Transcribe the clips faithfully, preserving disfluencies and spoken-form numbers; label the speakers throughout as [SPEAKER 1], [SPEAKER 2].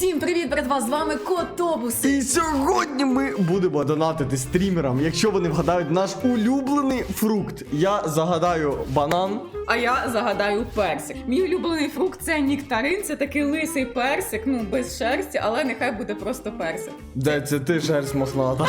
[SPEAKER 1] Всім привіт, братва, з вами Котобус.
[SPEAKER 2] І сьогодні ми будемо донатити стрімерам, якщо вони вгадають наш улюблений фрукт. Я загадаю банан.
[SPEAKER 1] А я загадаю персик. Мій улюблений фрукт це нектарин, це такий лисий персик, ну без шерсті, але нехай буде просто персик.
[SPEAKER 2] Де це ти, шерсть мохната?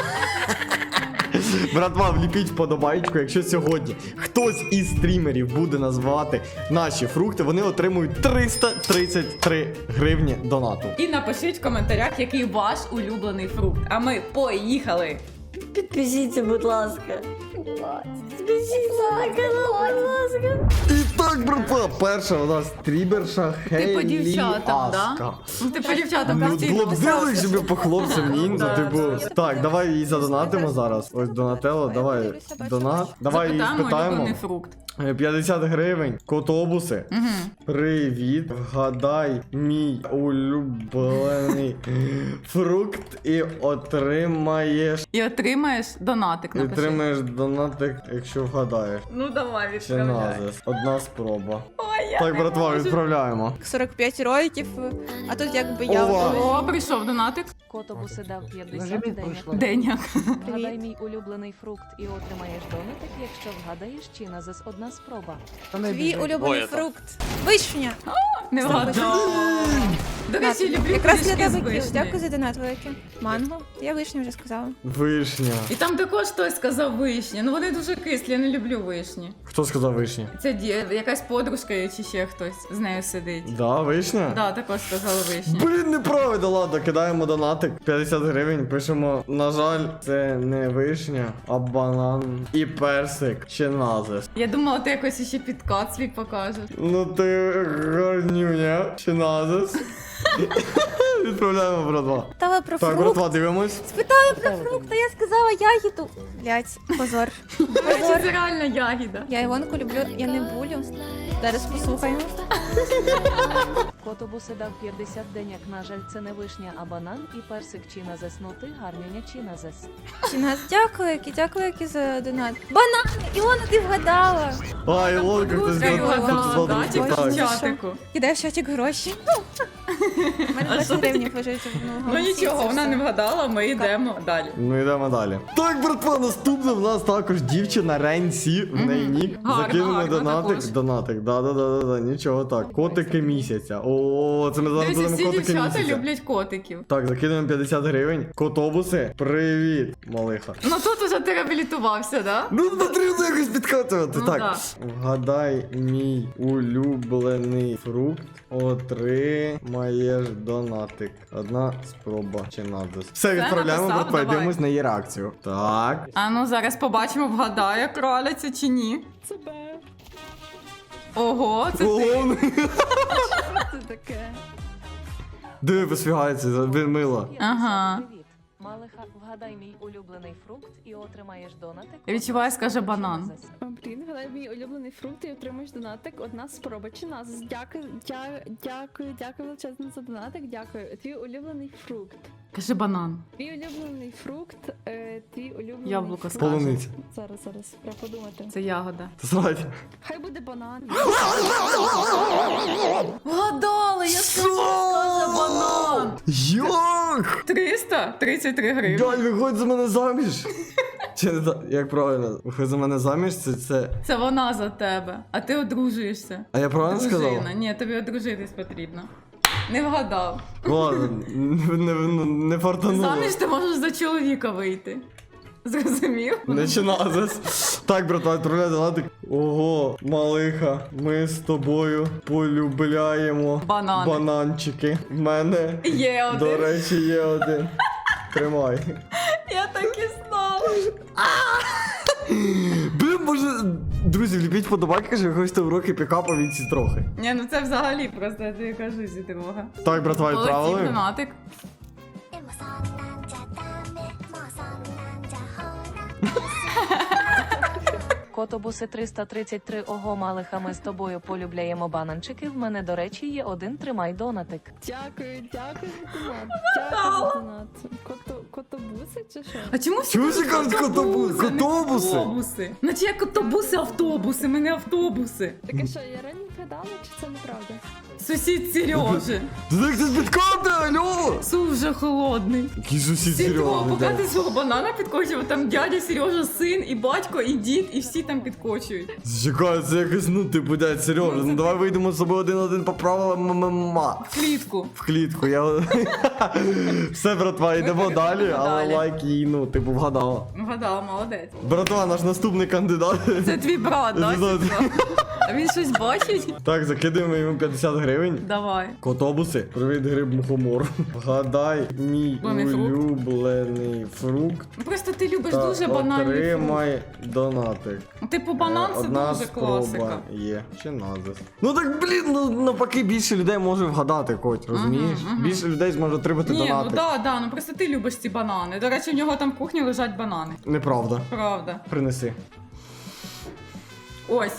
[SPEAKER 2] Братва, вліпіть вподобайку, якщо сьогодні хтось із стрімерів буде назвати наші фрукти, вони отримують триста тридцять три гривні донату.
[SPEAKER 1] І напишіть в коментарях, який ваш улюблений фрукт. А ми поїхали!
[SPEAKER 3] Підпишіться, будь ласка. Підпишіться, будь ласка.
[SPEAKER 2] І так, братва, перша у нас стрімерша Хейлі
[SPEAKER 1] Ти по дівчатам,
[SPEAKER 2] Аска.
[SPEAKER 1] да? Ну ти по дівчатам
[SPEAKER 2] Ну,
[SPEAKER 1] постійно
[SPEAKER 2] було б дивно, якщо б по хлопцям ніндзя,
[SPEAKER 1] Да,
[SPEAKER 2] типу.
[SPEAKER 1] да.
[SPEAKER 2] Так, давай її задонатимо зараз. Ось Донателло, давай донат. Давай її
[SPEAKER 1] Запитаємо
[SPEAKER 2] спитаємо.
[SPEAKER 1] улюблений фрукт.
[SPEAKER 2] п'ятдесят гривень. Котобуси.
[SPEAKER 1] Угу.
[SPEAKER 2] Привіт. Вгадай мій улюблений фрукт і отримаєш.
[SPEAKER 1] І отримаєш донатик,
[SPEAKER 2] І
[SPEAKER 1] напиши.
[SPEAKER 2] отримаєш донатик, якщо вгадаєш.
[SPEAKER 1] Ну давай,
[SPEAKER 2] Чи
[SPEAKER 1] відправляй.
[SPEAKER 2] назис. Одна спроба.
[SPEAKER 1] Ой, я
[SPEAKER 2] Так,
[SPEAKER 1] не
[SPEAKER 2] братва,
[SPEAKER 1] можу.
[SPEAKER 2] відправляємо.
[SPEAKER 4] сорок п'ять роликів, а тут якби я
[SPEAKER 2] Ова.
[SPEAKER 4] готова.
[SPEAKER 1] О, прийшов донатик.
[SPEAKER 5] Котобуси дав п'ятдесят денег.
[SPEAKER 1] Деняк.
[SPEAKER 5] Вгадай мій улюблений фрукт і отримаєш донатик, якщо вгадаєш чи назис одна спроба.
[SPEAKER 4] Твій улюблений фрукт. Вишня.
[SPEAKER 1] Не вгадав. До речі, люблю
[SPEAKER 4] Якраз для
[SPEAKER 1] пиріжки з
[SPEAKER 4] тебе кіш.
[SPEAKER 1] вишні.
[SPEAKER 4] Дякую за донат великий. Манго. Я вишню вже сказала.
[SPEAKER 2] Вишня.
[SPEAKER 1] І там також хтось сказав вишні. Ну вони дуже кислі, я не люблю вишні.
[SPEAKER 2] Хто сказав вишня?
[SPEAKER 1] Це ді- якась подружка чи ще хтось з нею сидить.
[SPEAKER 2] Да, вишня?
[SPEAKER 1] Да, також сказали вишні.
[SPEAKER 2] Блін, неправда, ладно, кидаємо донатик. п'ятдесят гривень, пишемо, на жаль, це не вишня, а банан і персик чи назис.
[SPEAKER 1] Я думала, ти якось ще підкат свій покажеш.
[SPEAKER 2] Ну ти гарнюня, чи назис. Відправляємо, братва.
[SPEAKER 4] Питала про
[SPEAKER 2] Так,
[SPEAKER 4] фрукт.
[SPEAKER 2] братва, дивимось.
[SPEAKER 4] Спитала про фрукт, а я сказала ягіду. Блять, позор.
[SPEAKER 1] До речі,
[SPEAKER 4] Позор.
[SPEAKER 1] це реально ягіда.
[SPEAKER 4] Я Івонку люблю, я не булю. Зараз послухаємо.
[SPEAKER 5] Котобуси дав п'ятдесят денег. На жаль, це не вишня, а банан і персик чи назис. Ну ти гарнюня чи назис.
[SPEAKER 4] Чи нас дякую, які дякую, які за донат. Банан! Іона, ти вгадала.
[SPEAKER 2] А, Ілонка, хтось
[SPEAKER 1] Подружка його
[SPEAKER 2] згадав.
[SPEAKER 1] дала, да, тільки в
[SPEAKER 4] Так.
[SPEAKER 1] чатику.
[SPEAKER 4] Кидай в чатик гроші. У мене двадцять гривень лежить в
[SPEAKER 1] Ну нічого, вона не вгадала, ми йдемо далі.
[SPEAKER 2] Ну йдемо далі. Так, братва, наступне в нас також дівчина Ренсі, в неї нік.
[SPEAKER 1] Гарно,
[SPEAKER 2] Закинули
[SPEAKER 1] гарно
[SPEAKER 2] донатик.
[SPEAKER 1] також.
[SPEAKER 2] Донатик, да-да-да, нічого так. Котики місяця. О, це ми зараз
[SPEAKER 1] Дивіться,
[SPEAKER 2] будемо
[SPEAKER 1] всі
[SPEAKER 2] котики
[SPEAKER 1] дівчата
[SPEAKER 2] місяця.
[SPEAKER 1] люблять котиків.
[SPEAKER 2] Так, закидуємо п'ятдесят гривень. Котобуси, привіт, малиха.
[SPEAKER 1] Ну тут уже ти реабілітувався, да?
[SPEAKER 2] Ну, потрібно якось підкатувати.
[SPEAKER 1] Ну,
[SPEAKER 2] так,
[SPEAKER 1] да.
[SPEAKER 2] вгадай мій улюблений фрукт. Отримаєш донатик. Одна спроба чи надус. Все, відправляємо,
[SPEAKER 1] написав,
[SPEAKER 2] братва,
[SPEAKER 1] давай.
[SPEAKER 2] дивимось на її реакцію. Так.
[SPEAKER 1] А ну зараз побачимо, вгадає краляця чи ні. Ого, це ти.
[SPEAKER 2] Ого,
[SPEAKER 5] Це таке.
[SPEAKER 2] диви, посвігається, він мило.
[SPEAKER 1] Ага.
[SPEAKER 5] Привіт. Малиха, вгадай мій улюблений фрукт і отримаєш донатик.
[SPEAKER 1] Я відчуваю, скаже банан.
[SPEAKER 5] Назис.
[SPEAKER 6] Блін, гадай мій улюблений фрукт і отримаєш донатик. Одна спроба чи нас. Дякую, дя, дякую, дякую величезно за донатик. Дякую. Твій улюблений фрукт.
[SPEAKER 1] Каже банан.
[SPEAKER 6] Твій улюблений фрукт. Е, твій улюблений
[SPEAKER 1] Яблуко
[SPEAKER 6] фрукт.
[SPEAKER 1] скаже.
[SPEAKER 2] Полуниця.
[SPEAKER 6] Зараз, зараз, треба подумати.
[SPEAKER 1] Це ягода.
[SPEAKER 2] Срать.
[SPEAKER 6] Хай буде банан.
[SPEAKER 1] Вгадали, я скажу, скаже банан.
[SPEAKER 2] Як?
[SPEAKER 1] триста тридцять три гривні.
[SPEAKER 2] Галь, виходь за мене заміж. Чи не так? Як правильно? Виходь за мене заміж, це це.
[SPEAKER 1] Це вона за тебе, а ти одружуєшся.
[SPEAKER 2] А я правильно
[SPEAKER 1] Дружина.
[SPEAKER 2] сказав?
[SPEAKER 1] Ні, тобі одружитись потрібно. Не вгадав.
[SPEAKER 2] Ладно, не, не, не, не фартануло.
[SPEAKER 1] Заміж ти можеш за чоловіка вийти. Зрозумів?
[SPEAKER 2] Начиназис. Так, братва, відправляй донатик. Ого, малиха, ми з тобою полюбляємо
[SPEAKER 1] Банани.
[SPEAKER 2] бананчики. В мене,
[SPEAKER 1] Є один.
[SPEAKER 2] до речі, є один. Тримай.
[SPEAKER 1] Я так і знала.
[SPEAKER 2] Блін, може, друзі, вліпіть подобайки, якщо ви хочете уроки пікапа від ці трохи.
[SPEAKER 1] Ні, ну це взагалі просто, я тобі кажу, зі дорога.
[SPEAKER 2] Так, братва,
[SPEAKER 1] Полетів
[SPEAKER 2] відправили.
[SPEAKER 1] донатик.
[SPEAKER 5] Котобуси триста тридцять три. Ого, малиха, ми з тобою полюбляємо бананчики. В мене, до речі, є один. Тримай донатик.
[SPEAKER 6] Дякую, дякую за донат. Дякую за донат. Кото, котобуси чи що?
[SPEAKER 1] А чому всі
[SPEAKER 2] Чому всі кажуть котобу-
[SPEAKER 1] не
[SPEAKER 2] котобуси?
[SPEAKER 1] автобуси? Наче як котобуси, автобуси, ми не автобуси.
[SPEAKER 6] Таке що, я раніше вгадали, чи це неправда?
[SPEAKER 1] Сусід Сережи.
[SPEAKER 2] Ти так це підкати, алло!
[SPEAKER 1] Суп вже холодний.
[SPEAKER 2] Який сусід
[SPEAKER 1] Сідро,
[SPEAKER 2] серйозний.
[SPEAKER 1] поки
[SPEAKER 2] да.
[SPEAKER 1] ти свого банана підкочував, там дядя Сережа, син, і батько, і дід, і всі там підкочують.
[SPEAKER 2] Чекай, це якось, ну, типу, дядь, серйозно. Ну, давай вийдемо з собою один-один по правилам ММА.
[SPEAKER 1] В клітку.
[SPEAKER 2] В клітку, я... Все, братва, йдемо далі,
[SPEAKER 1] переходимо
[SPEAKER 2] але
[SPEAKER 1] далі.
[SPEAKER 2] лайк їй, ну, типу, вгадала.
[SPEAKER 1] Вгадала, молодець.
[SPEAKER 2] Братва, наш наступний кандидат.
[SPEAKER 1] Це твій брат, да?
[SPEAKER 2] Це-
[SPEAKER 1] Сідро? А він щось бачить?
[SPEAKER 2] Так, закидаємо йому п'ятдесят гривень.
[SPEAKER 1] Давай.
[SPEAKER 2] Котобуси, привіт, гриб мухомор. Вгадай мій
[SPEAKER 1] Улюблений фрукт.
[SPEAKER 2] улюблений фрукт.
[SPEAKER 1] Ну, просто ти любиш
[SPEAKER 2] Та
[SPEAKER 1] дуже банальний фрукт.
[SPEAKER 2] отримай донатик.
[SPEAKER 1] Типу банан
[SPEAKER 2] Е,
[SPEAKER 1] це
[SPEAKER 2] Одна
[SPEAKER 1] дуже
[SPEAKER 2] спроба
[SPEAKER 1] класика.
[SPEAKER 2] є. Чи назис. Ну так, блін, ну навпаки, більше людей може вгадати, Коть, розумієш?
[SPEAKER 1] Мгм, мгм.
[SPEAKER 2] Більше людей зможе отримати
[SPEAKER 1] Ні, ну
[SPEAKER 2] донатик.
[SPEAKER 1] да, да, ну просто ти любиш ці банани. До речі, в нього там в кухні лежать банани.
[SPEAKER 2] Неправда.
[SPEAKER 1] Правда.
[SPEAKER 2] Принеси.
[SPEAKER 1] Ось.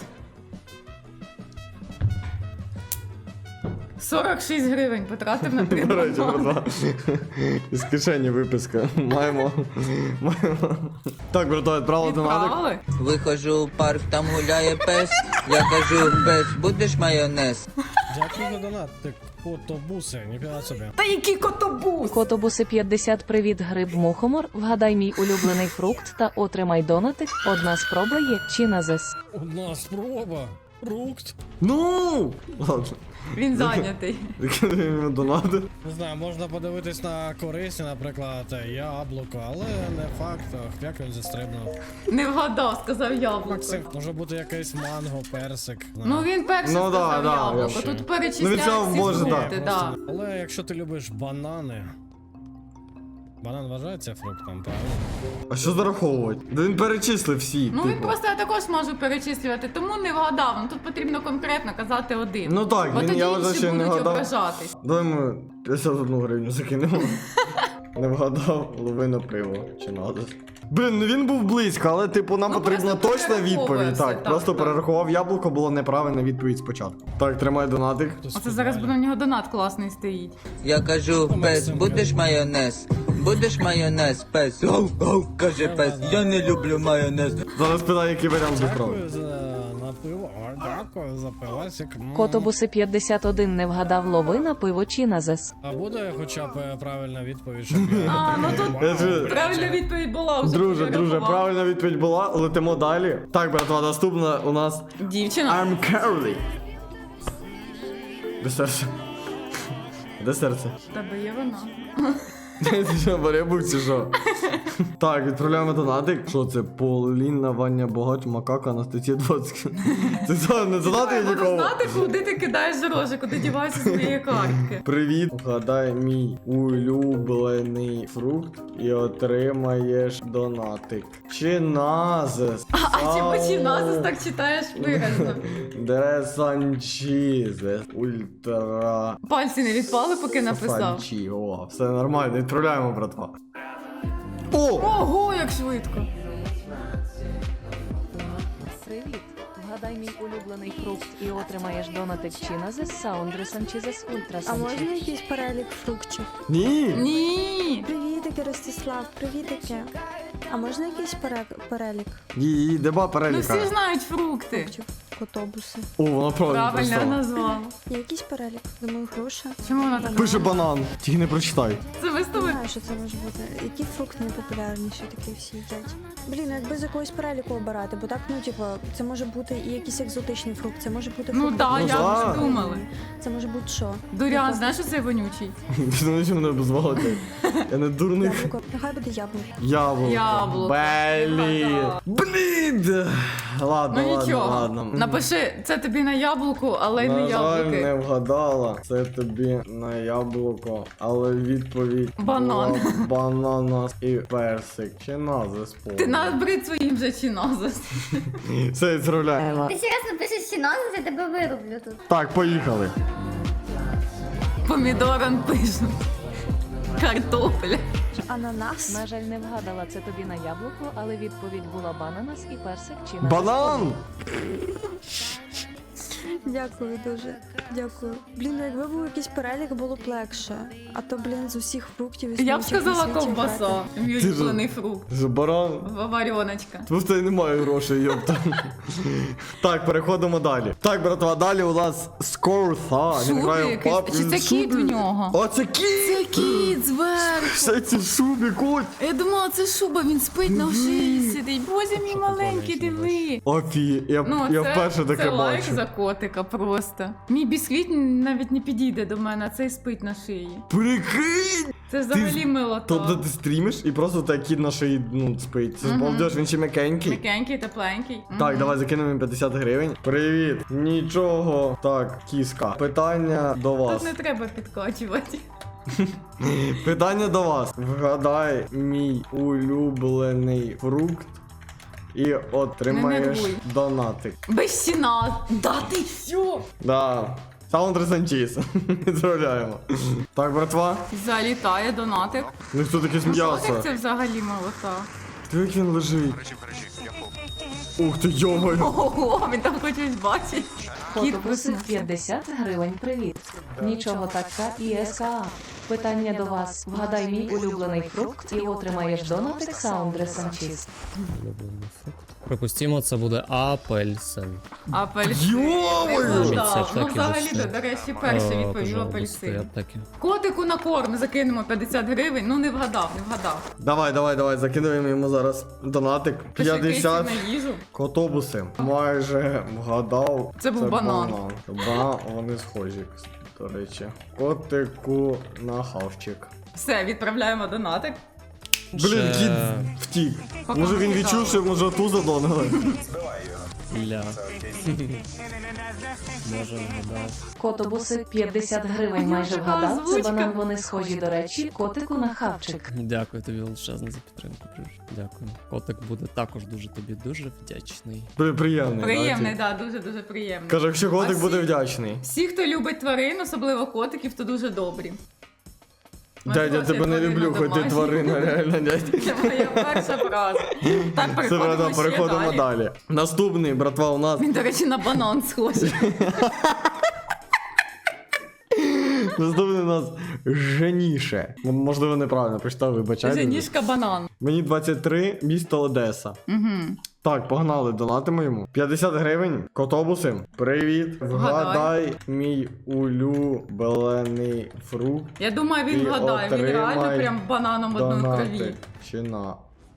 [SPEAKER 1] сорок шість гривень потратив на три
[SPEAKER 2] До речі,
[SPEAKER 1] банани.
[SPEAKER 2] братва. Із кишені виписка. Маємо. Маємо. Так, братва, відправили донатик.
[SPEAKER 1] Відправили?
[SPEAKER 7] Виходжу в парк, там гуляє пес. Я кажу, пес, будеш майонез?
[SPEAKER 8] Дякую за донат, ти котобуси, ніфіга собі.
[SPEAKER 1] Та який котобус?
[SPEAKER 5] Котобуси п'ятдесят, привіт, гриб мухомор. Вгадай мій улюблений фрукт та отримай донатик. Одна спроба є чи назес.
[SPEAKER 8] Одна спроба. Фрукт.
[SPEAKER 2] Ну! Ладно.
[SPEAKER 1] Він зайнятий.
[SPEAKER 2] Закидаємо донати.
[SPEAKER 8] Не знаю, можна подивитись на корисні, наприклад, яблуко, але не факт, як він застрибнув.
[SPEAKER 1] Не вгадав, сказав яблуко.
[SPEAKER 8] Максим, може бути якийсь манго, персик.
[SPEAKER 1] Ну він перший
[SPEAKER 2] Ну, да,
[SPEAKER 1] сказав
[SPEAKER 2] да,
[SPEAKER 1] яблуко.
[SPEAKER 2] я-
[SPEAKER 1] Тут
[SPEAKER 2] Ну,
[SPEAKER 1] перечисляють
[SPEAKER 2] від цього
[SPEAKER 1] всі
[SPEAKER 2] може, да.
[SPEAKER 1] фрукти, да.
[SPEAKER 8] Але якщо ти любиш банани. Банан вважається фруктом, правильно?
[SPEAKER 2] А що зараховувати? Да він перечислив всі.
[SPEAKER 1] Ну він
[SPEAKER 2] типу.
[SPEAKER 1] просто я також можу перечислювати, тому не вгадав. Ну тут потрібно конкретно казати один.
[SPEAKER 2] Ну так,
[SPEAKER 1] Бо
[SPEAKER 2] він,
[SPEAKER 1] тоді
[SPEAKER 2] я вважаю,
[SPEAKER 1] інші
[SPEAKER 2] що не
[SPEAKER 1] будуть
[SPEAKER 2] вгадав.
[SPEAKER 1] ображатись.
[SPEAKER 2] Давай ми п'ятдесят одну гривню закинемо. Не вгадав, ловина пиво. Чи надо? Блін, ну він був близько, але типу нам
[SPEAKER 1] Ну,
[SPEAKER 2] потрібна
[SPEAKER 1] просто
[SPEAKER 2] точна відповідь.
[SPEAKER 1] перераховує
[SPEAKER 2] Так,
[SPEAKER 1] все,
[SPEAKER 2] просто
[SPEAKER 1] так, так.
[SPEAKER 2] перерахував яблуко, було неправильна відповідь спочатку. Так, тримай донатик.
[SPEAKER 8] Хтось
[SPEAKER 1] Оце зараз буде
[SPEAKER 8] футболі.
[SPEAKER 1] на нього донат класний стоїть.
[SPEAKER 7] Я кажу, пес, будеш майонез? Будеш майонез, пес? Гав, гав, каже пес, я не люблю майонез.
[SPEAKER 2] Зараз питаю, який варіант був правильний.
[SPEAKER 8] Дякую за на пиво, а, дякую за пивасик. М.
[SPEAKER 5] Котобуси п'ятдесят один не вгадав ловина, пиво чи назес.
[SPEAKER 8] А буде хоча б е, правильна відповідь, щоб я
[SPEAKER 1] А, ну тут
[SPEAKER 2] Я ж-
[SPEAKER 1] правильна відповідь була вже.
[SPEAKER 2] Друже, друже,
[SPEAKER 1] перерахував.
[SPEAKER 2] правильна відповідь була, летимо далі. Так, братва, наступна у нас
[SPEAKER 1] Дівчина.
[SPEAKER 2] I'm Carly. Де серце? Де серце?
[SPEAKER 1] В тебе є вона.
[SPEAKER 2] Ти що, баребук чи що? Так, відправляємо донатик. Що це? Поліна, Ваня, Богач, Макака, Анастасія двадцять. Це що, не донати
[SPEAKER 1] Я буду
[SPEAKER 2] нікого?
[SPEAKER 1] знати, куди ти кидаєш гроші, куди діваєшся з моєї картки.
[SPEAKER 2] Привіт, вгадай мій улюблений фрукт і отримаєш донатик. Чиназес.
[SPEAKER 1] А чи починазис так читаєш виразно?
[SPEAKER 2] Дресанчізес. Ультра.
[SPEAKER 1] Пальці не відпали, поки написав.
[SPEAKER 2] Санчі. О, все нормально, відправляємо, братва. О!
[SPEAKER 1] Ого, як швидко.
[SPEAKER 5] Привіт. Вгадай мій улюблений фрукт і отримаєш донатик чи назес Саундри Санчізес Ультра
[SPEAKER 3] А можна
[SPEAKER 5] Санчі.
[SPEAKER 3] якийсь перелік фруктів?
[SPEAKER 2] Ні!
[SPEAKER 1] Ні.
[SPEAKER 3] Привітики, Ростислав, привітики. А можна якийсь пере- перелік
[SPEAKER 2] Її, деба
[SPEAKER 1] Ну
[SPEAKER 2] переліка.
[SPEAKER 1] всі знають фрукти.
[SPEAKER 3] фруктів? Котобуси.
[SPEAKER 2] О, вона правильно
[SPEAKER 1] Правильно
[SPEAKER 2] написала.
[SPEAKER 1] назвала.
[SPEAKER 3] Є якийсь перелік? Думаю, груша.
[SPEAKER 1] Чому вона так?
[SPEAKER 2] Пише банан, тільки не прочитай.
[SPEAKER 1] Це ви з
[SPEAKER 3] Не
[SPEAKER 1] тобою?
[SPEAKER 3] знаю, що це може бути. Які фрукти найпопулярніші такі всі їдять? Блін, якби з якогось переліку обирати, бо так, ну, типу, це може бути і якийсь екзотичний фрукт, це може бути
[SPEAKER 1] Ну
[SPEAKER 3] фрукт.
[SPEAKER 1] да,
[SPEAKER 2] Ну
[SPEAKER 1] я
[SPEAKER 2] да.
[SPEAKER 1] вже думала.
[SPEAKER 3] Це може бути що?
[SPEAKER 1] Дурян, знаєш, що це вонючий?
[SPEAKER 2] Ти не що мене обозвати? Я не дурник.
[SPEAKER 3] Яблуко. Нехай буде яблуко.
[SPEAKER 2] Яблуко.
[SPEAKER 1] Яблуко.
[SPEAKER 2] Блін. Блін. Ладно,
[SPEAKER 1] Ну
[SPEAKER 2] ладно,
[SPEAKER 1] нічого.
[SPEAKER 2] ладно.
[SPEAKER 1] Напиши, це тобі на яблуку, але й не
[SPEAKER 2] На жаль, не
[SPEAKER 1] яблуки.
[SPEAKER 2] вгадала. Це тобі на яблуко, але відповідь
[SPEAKER 1] Банан.
[SPEAKER 2] була бананас і персик. Чи назис повний?
[SPEAKER 1] Ти набрид своїм же чиназис.
[SPEAKER 2] Все, відправляємо.
[SPEAKER 9] Ти серйозно пишеш синонім, я тебе вирублю тут.
[SPEAKER 2] Так, поїхали.
[SPEAKER 1] Помідором пишуть. Картопля.
[SPEAKER 3] Ананас.
[SPEAKER 5] На жаль, не вгадала це тобі на яблуко, але відповідь була бананас і персик чи назес.
[SPEAKER 2] Банан!
[SPEAKER 3] Дякую дуже. Дякую. Блін, ну якби був якийсь перелік, було б легше. А то, блін, з усіх фруктів і
[SPEAKER 1] Я б
[SPEAKER 3] смаків на
[SPEAKER 1] сказала
[SPEAKER 3] світі
[SPEAKER 1] ковбаса.
[SPEAKER 3] брати.
[SPEAKER 1] Мій
[SPEAKER 2] Ти ж-
[SPEAKER 1] улюблений фрукт.
[SPEAKER 2] Це баран.
[SPEAKER 1] Вареночка.
[SPEAKER 2] Просто я не маю грошей, йопта. Так, переходимо далі. Так, братва, далі у нас Скорса. Він
[SPEAKER 1] Шубі
[SPEAKER 2] грає в
[SPEAKER 1] якийсь.
[SPEAKER 2] паб.
[SPEAKER 1] Чи
[SPEAKER 2] Він
[SPEAKER 1] це
[SPEAKER 2] шубі.
[SPEAKER 1] кіт в нього?
[SPEAKER 2] О, це кіт!
[SPEAKER 1] Це кіт зверху.
[SPEAKER 2] Все ці шубі, кот.
[SPEAKER 1] Я думала, це шуба, він спить на шиї сидить. Боже мій маленький, диви.
[SPEAKER 2] Офі, я,
[SPEAKER 1] Ну,
[SPEAKER 2] я
[SPEAKER 1] це,
[SPEAKER 2] вперше таке
[SPEAKER 1] це лайк
[SPEAKER 2] бачу.
[SPEAKER 1] за котика просто. Мій бісквіт навіть не підійде до мене, а цей спить на шиї.
[SPEAKER 2] Прикинь!
[SPEAKER 1] Це взагалі
[SPEAKER 2] Ти-
[SPEAKER 1] милота.
[SPEAKER 2] Тобто ти стрімиш і просто так кіт на шиї, ну, спить. Це ж
[SPEAKER 1] Мгм.
[SPEAKER 2] балдеж, він ще м'якенький.
[SPEAKER 1] М'якенький, тепленький.
[SPEAKER 2] Так,
[SPEAKER 1] Мгм.
[SPEAKER 2] давай закинемо їм п'ятдесят гривень. Привіт. Нічого. Так, кіска. Питання до вас.
[SPEAKER 1] Тут не треба підкачувати.
[SPEAKER 2] Питання до вас. Вгадай мій улюблений фрукт і отримаєш
[SPEAKER 1] нервуй.
[SPEAKER 2] донатик.
[SPEAKER 1] Без стіна. Да ти що?
[SPEAKER 2] Да. Саундер Санчіс. Відправляємо. Так, братва.
[SPEAKER 1] Залітає донатик.
[SPEAKER 2] Ну хто таке
[SPEAKER 1] Що
[SPEAKER 2] м'ясо?
[SPEAKER 1] це взагалі молота?
[SPEAKER 2] Ти як він лежить? Ух ти, йомаю.
[SPEAKER 1] Ого, він там хоч щось бачить. Кіт
[SPEAKER 5] Фото просив
[SPEAKER 1] проснувся.
[SPEAKER 5] п'ятдесят гривень. Привіт. Нічого така і ес-а. Питання до вас. Вгадай мій улюблений фрукт і отримаєш донатик Саундре Санчіс.
[SPEAKER 10] Припустімо, це буде апельсин.
[SPEAKER 1] Апельсин.
[SPEAKER 2] Йомаю!
[SPEAKER 1] Не вгадав.
[SPEAKER 10] Це
[SPEAKER 1] Ну
[SPEAKER 10] так і
[SPEAKER 1] взагалі,
[SPEAKER 10] зайшло.
[SPEAKER 1] до речі, перший
[SPEAKER 10] О,
[SPEAKER 1] відповів
[SPEAKER 10] пожалуйста,
[SPEAKER 1] апельсин.
[SPEAKER 10] я б таки.
[SPEAKER 1] Котику на корм закинемо п'ятдесят гривень. Ну не вгадав, не вгадав.
[SPEAKER 2] Давай, давай, давай, закидуємо йому зараз донатик.
[SPEAKER 1] Ти що,
[SPEAKER 2] п'ятдесят.
[SPEAKER 1] кисів на їжу?
[SPEAKER 2] Котобуси. Майже вгадав.
[SPEAKER 1] Це був банан.
[SPEAKER 2] Банан, вони схожі, до речі. Котику на хавчик.
[SPEAKER 1] Все, відправляємо донатик.
[SPEAKER 2] Блін,
[SPEAKER 10] Ще-
[SPEAKER 2] кіт втік.
[SPEAKER 1] Поки
[SPEAKER 2] Може він
[SPEAKER 1] не
[SPEAKER 2] відчув,
[SPEAKER 1] вгадав.
[SPEAKER 2] що може ту задонали.
[SPEAKER 10] Ля. Може вгадав.
[SPEAKER 5] Котобуси п'ятдесят гривень
[SPEAKER 1] А
[SPEAKER 5] майже
[SPEAKER 1] яка
[SPEAKER 5] вгадав. Це
[SPEAKER 1] озвучка?
[SPEAKER 5] банан, вони схожі, до речі, котику на хавчик.
[SPEAKER 10] Дякую тобі величезно за підтримку. Друже. Дякую. Котик буде також дуже тобі дуже вдячний.
[SPEAKER 2] При- Приємний.
[SPEAKER 1] Приємний,
[SPEAKER 2] да,
[SPEAKER 1] да, дуже-дуже приємний.
[SPEAKER 2] ті. Каже, якщо котик
[SPEAKER 1] А
[SPEAKER 2] буде
[SPEAKER 1] всі-
[SPEAKER 2] вдячний.
[SPEAKER 1] Всі, хто любить тварин, особливо котиків, то дуже добрі. Мене
[SPEAKER 2] Дядя, я
[SPEAKER 1] просять
[SPEAKER 2] тебе не
[SPEAKER 1] тварину
[SPEAKER 2] люблю, хоч ти
[SPEAKER 1] домашню.
[SPEAKER 2] тварина, реально, дядь.
[SPEAKER 1] Це моя перша фраза. Так,
[SPEAKER 2] Це
[SPEAKER 1] переходимо
[SPEAKER 2] правда,
[SPEAKER 1] ще
[SPEAKER 2] переходимо
[SPEAKER 1] далі.
[SPEAKER 2] далі. Наступний, братва, у нас.
[SPEAKER 1] Він, до речі, на банан схожий.
[SPEAKER 2] Наступний у нас Женіше. М- Можливо, неправильно прочитав, вибачайте.
[SPEAKER 1] Женішка банан.
[SPEAKER 2] Мені двадцять три, місто Одеса.
[SPEAKER 1] Угу.
[SPEAKER 2] Так, погнали, донатимо йому. п'ятдесят гривень, котобуси. Привіт. Вгадай мій улюблений фрукт.
[SPEAKER 1] Я думаю, він
[SPEAKER 2] І
[SPEAKER 1] вгадає. Він реально
[SPEAKER 2] отримай
[SPEAKER 1] прям бананом одної крові.
[SPEAKER 2] Донатик. Чи на.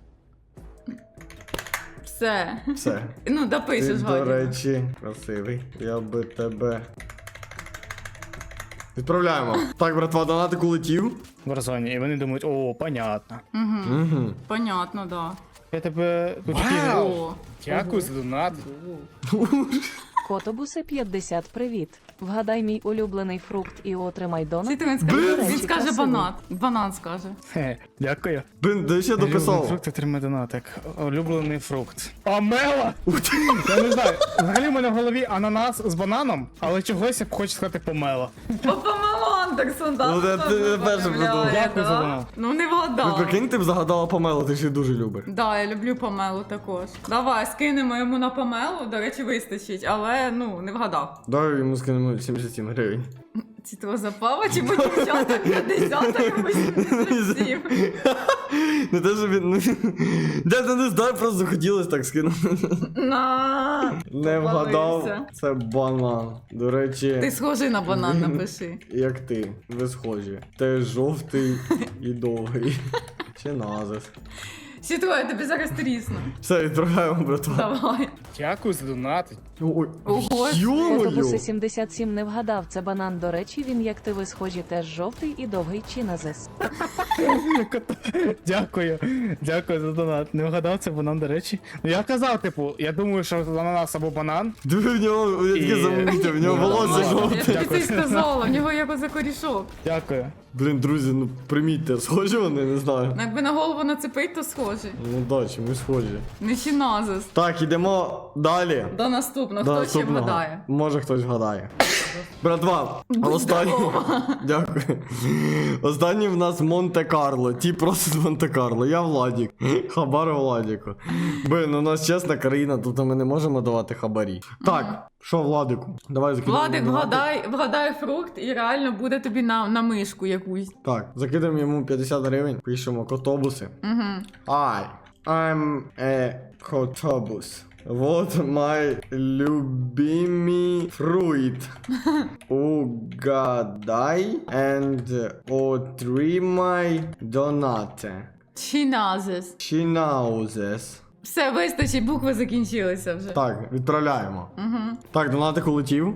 [SPEAKER 1] Все.
[SPEAKER 2] Все.
[SPEAKER 1] Ну,
[SPEAKER 2] Ти,
[SPEAKER 1] допишеш,
[SPEAKER 2] до
[SPEAKER 1] Гадя.
[SPEAKER 2] речі, красивий. Я би тебе. Відправляємо. Так, братва, донатик улетів.
[SPEAKER 11] в Warzone, і вони думають, о, понятно.
[SPEAKER 1] Угу.
[SPEAKER 2] Угу.
[SPEAKER 1] Понятно, да.
[SPEAKER 11] Я тебе тут такий
[SPEAKER 1] О,
[SPEAKER 11] дякую за донат.
[SPEAKER 5] Котобуси п'ятдесят. Привіт. Вгадай мій улюблений фрукт і отримай донатик.
[SPEAKER 1] Світ, він
[SPEAKER 5] До
[SPEAKER 1] скаже,
[SPEAKER 5] речі,
[SPEAKER 1] він скаже
[SPEAKER 5] красивий.
[SPEAKER 1] банан. Банан скаже.
[SPEAKER 11] Хе, дякую.
[SPEAKER 2] Блин, де ще
[SPEAKER 11] Улюблений
[SPEAKER 2] дописав?
[SPEAKER 11] фрукт отримає донатик. Улюблений фрукт. Амела! Я не знаю. Взагалі в мене в голові ананас з бананом, але чогось я б хочу сказати помела.
[SPEAKER 1] Папа Андерсон, да?
[SPEAKER 2] Ну, ти- ти перший придумав.
[SPEAKER 11] Дякую за донат.
[SPEAKER 1] Ну, не
[SPEAKER 2] Ви
[SPEAKER 1] вгадав.
[SPEAKER 2] прикинь, ти б загадала Памелу, ти ж її дуже любиш.
[SPEAKER 1] Да, я люблю Памелу також. Давай, скинемо йому на Памелу, до речі, вистачить, але, ну, не вгадав.
[SPEAKER 2] Давай йому скинемо сімдесят сім гривень.
[SPEAKER 1] Ці того запава, чи бо дівчата п'ятдесят, а йому сімдесят сім.
[SPEAKER 2] Не те, що він. ну, Дядя, не знаю, просто хотілося так скинути.
[SPEAKER 1] На.
[SPEAKER 2] Не
[SPEAKER 1] Попалився.
[SPEAKER 2] вгадав, це банан. До речі,
[SPEAKER 1] Ти схожий на банан, напиши.
[SPEAKER 2] як ти, ви схожі. Ти жовтий і довгий. Чи назис.
[SPEAKER 1] Сітро, я тобі зараз трісну.
[SPEAKER 2] Все, відправляємо, братва.
[SPEAKER 1] Давай.
[SPEAKER 11] Дякую за донат.
[SPEAKER 2] Ой,
[SPEAKER 1] Ого.
[SPEAKER 5] Котобуси
[SPEAKER 2] йо-моє!
[SPEAKER 5] сімдесят сім не вгадав. Це банан, до речі, він як ти ви схожі, теж жовтий і довгий чиназис.
[SPEAKER 11] Дякую. Дякую за донат. Не вгадав це банан, до речі. Ну я казав, типу, я думаю, що ананас або банан.
[SPEAKER 2] Диви, в нього, я таке
[SPEAKER 11] І-
[SPEAKER 2] замітив, в нього
[SPEAKER 11] Ну,
[SPEAKER 2] волосся
[SPEAKER 11] ладно.
[SPEAKER 2] жовте.
[SPEAKER 1] Я тобі це
[SPEAKER 11] Дякую.
[SPEAKER 1] й сказала, в нього як оце корішок.
[SPEAKER 11] Дякую.
[SPEAKER 2] Блін, друзі, ну примітьте, схожі вони, не знаю.
[SPEAKER 1] Ну, якби на голову нацепить, то схожий.
[SPEAKER 2] Ну да, чи ми схожі.
[SPEAKER 1] Не чиназис.
[SPEAKER 2] Так, ідемо далі.
[SPEAKER 1] До наступного.
[SPEAKER 2] До
[SPEAKER 1] Хто ще
[SPEAKER 2] наступного.
[SPEAKER 1] вгадає?
[SPEAKER 2] Може хтось вгадає. Братва, останній. Дякую. Останній в нас Монте Монте-Карло. Ті просто з Монте-Карло. Я Владік. Хабар Владіку. Блин, у нас чесна країна, тут ми не можемо давати хабарі. Так, що Владику? Давай закидаємо.
[SPEAKER 1] Владик,
[SPEAKER 2] донатик.
[SPEAKER 1] вгадай, вгадай фрукт і реально буде тобі на, на мишку якусь.
[SPEAKER 2] Так, закидаємо йому п'ятдесят гривень, пишемо котобуси.
[SPEAKER 1] Угу.
[SPEAKER 2] I, I'm a котобус. What my любимый fruit? Угадай and отримай донати.
[SPEAKER 1] Чиназис.
[SPEAKER 2] Чинаузес.
[SPEAKER 1] Все, вистачить, букви закінчилися вже.
[SPEAKER 2] Так, відправляємо.
[SPEAKER 1] Угу.
[SPEAKER 2] Так, донатик улетів.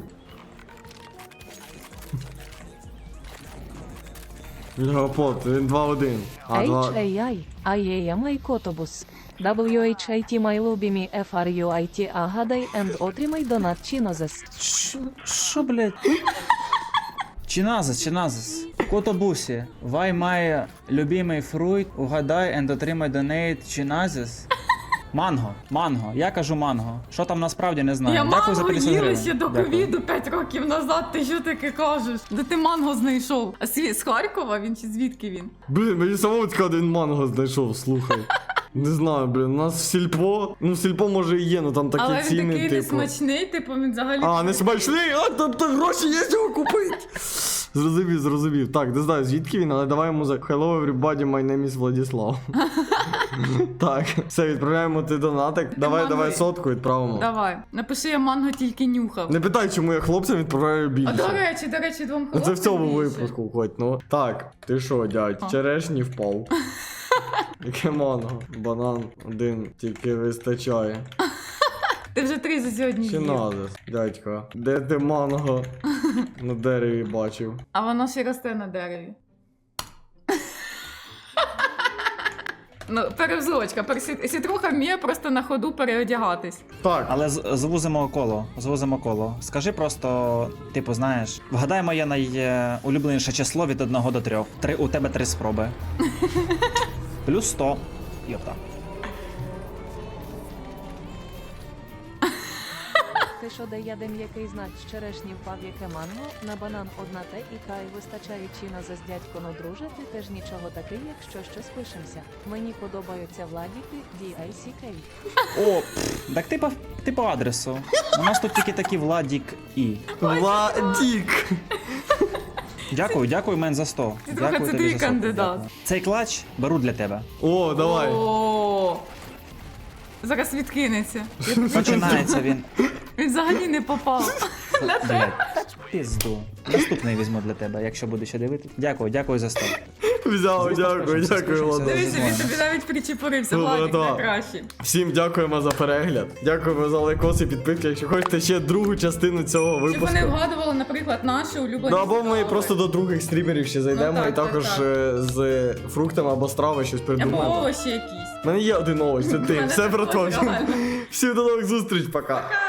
[SPEAKER 2] Гопот, він два один. А, два...
[SPEAKER 5] H A I, I A M I Котобус. W H I T my любимі F R U I T агадай and отримай донат Чинозес.
[SPEAKER 12] Що, блядь? Чиназис, чиназис. Котобусі. Вай має любимий фрукт, угадай and отримай донейт чиназис. Манго, манго. Я кажу манго. Що там насправді не знаю.
[SPEAKER 1] Я
[SPEAKER 12] Дякую за
[SPEAKER 1] манго
[SPEAKER 12] п'ятдесят
[SPEAKER 1] їла
[SPEAKER 12] гривень.
[SPEAKER 1] ще до
[SPEAKER 12] Дякую.
[SPEAKER 1] ковіду п'ять років назад, ти що таке кажеш? Де ти манго знайшов? А сві- з Харкова він чи звідки він?
[SPEAKER 2] Блін, мені самому цікаво, де він манго знайшов, слухай. Не знаю, блін, у нас в сільпо, ну в сільпо може і є, ну там такі
[SPEAKER 1] Але він
[SPEAKER 2] ціни,
[SPEAKER 1] такий
[SPEAKER 2] типу.
[SPEAKER 1] несмачний, типу він взагалі...
[SPEAKER 2] А, не смачний, а там то гроші є його купити. Зрозумів, зрозумів. Так, не знаю звідки він, але давай йому за Hello everybody, my name is Владислав. Так, все, відправляємо ти донатик. Давай,
[SPEAKER 1] манго-
[SPEAKER 2] давай сотку відправимо.
[SPEAKER 1] Давай, напиши, я манго тільки нюхав.
[SPEAKER 2] Не питай, чому я хлопцям відправляю
[SPEAKER 1] А до
[SPEAKER 2] більше.
[SPEAKER 1] речі, до речі, двом
[SPEAKER 2] Ну
[SPEAKER 1] хлопцям
[SPEAKER 2] це в цьому
[SPEAKER 1] більше.
[SPEAKER 2] випуску хоч, ну. Так, ти що, дядь,
[SPEAKER 1] А.
[SPEAKER 2] черешні впав. Яке манго? Банан один тільки вистачає.
[SPEAKER 1] Ти вже три за сьогодні
[SPEAKER 2] Чи
[SPEAKER 1] з'їв.
[SPEAKER 2] назис, дядько? Де ти манго на дереві бачив?
[SPEAKER 1] А воно ще росте на дереві. Ну, перевзлочка. Персі- Сітруха вміє просто на ходу переодягатись.
[SPEAKER 2] Так,
[SPEAKER 12] Але з- звузимо коло, звузимо коло. Скажи просто, типу, знаєш, вгадай моє найулюбленіше число від одного до трьох. Три, у тебе три спроби. Плюс сто. Йопта.
[SPEAKER 5] Ти що дає де м'який знак з черешні впав яке манго, на банан одна те і кай вистачає Чинозес дядько, но друже, ти теж нічого такий, якщо щось пишемося. Мені подобаються Владіки, ді ай сі кей.
[SPEAKER 12] О, пф, так ти по, ти по адресу. У нас тут тільки такі Владік і.
[SPEAKER 2] Владік.
[SPEAKER 12] Дякую, дякую мен за сто.
[SPEAKER 1] Ти трохи
[SPEAKER 12] Дякую
[SPEAKER 1] це
[SPEAKER 12] тобі
[SPEAKER 1] твій
[SPEAKER 12] за сто.
[SPEAKER 1] кандидат.
[SPEAKER 12] Дякую. Цей клач беру для тебе.
[SPEAKER 2] О, давай.
[SPEAKER 1] О, зараз відкинеться.
[SPEAKER 12] Починається він.
[SPEAKER 1] Він взагалі не попав.
[SPEAKER 12] Блядь, пізду. Наступний візьму для тебе, якщо буду ще дивитися. Дякую, дякую за сто.
[SPEAKER 2] Взяв, дякую, дякую,
[SPEAKER 12] Скучився.
[SPEAKER 2] Владик.
[SPEAKER 1] Дивіться, він тобі навіть причепурився,
[SPEAKER 2] Ну,
[SPEAKER 1] Владик
[SPEAKER 2] да.
[SPEAKER 1] найкращий.
[SPEAKER 2] Всім дякуємо за перегляд. Дякуємо за лайкоси, підписки. Якщо хочете ще другу частину цього
[SPEAKER 1] Щоб
[SPEAKER 2] випуску.
[SPEAKER 1] вони вгадували, наприклад, наші улюблені
[SPEAKER 2] Ну або ми
[SPEAKER 1] страви.
[SPEAKER 2] просто до других стрімерів ще зайдемо
[SPEAKER 1] Ну, так,
[SPEAKER 2] і також
[SPEAKER 1] так, так.
[SPEAKER 2] е, з фруктами або страви щось
[SPEAKER 1] Або
[SPEAKER 2] придумаємо.
[SPEAKER 1] овочі якісь.
[SPEAKER 2] У мене є один овоч, це ти.
[SPEAKER 1] мене
[SPEAKER 2] Все про
[SPEAKER 1] також,
[SPEAKER 2] то.
[SPEAKER 1] реально.
[SPEAKER 2] Всім до нових зустріч, пока.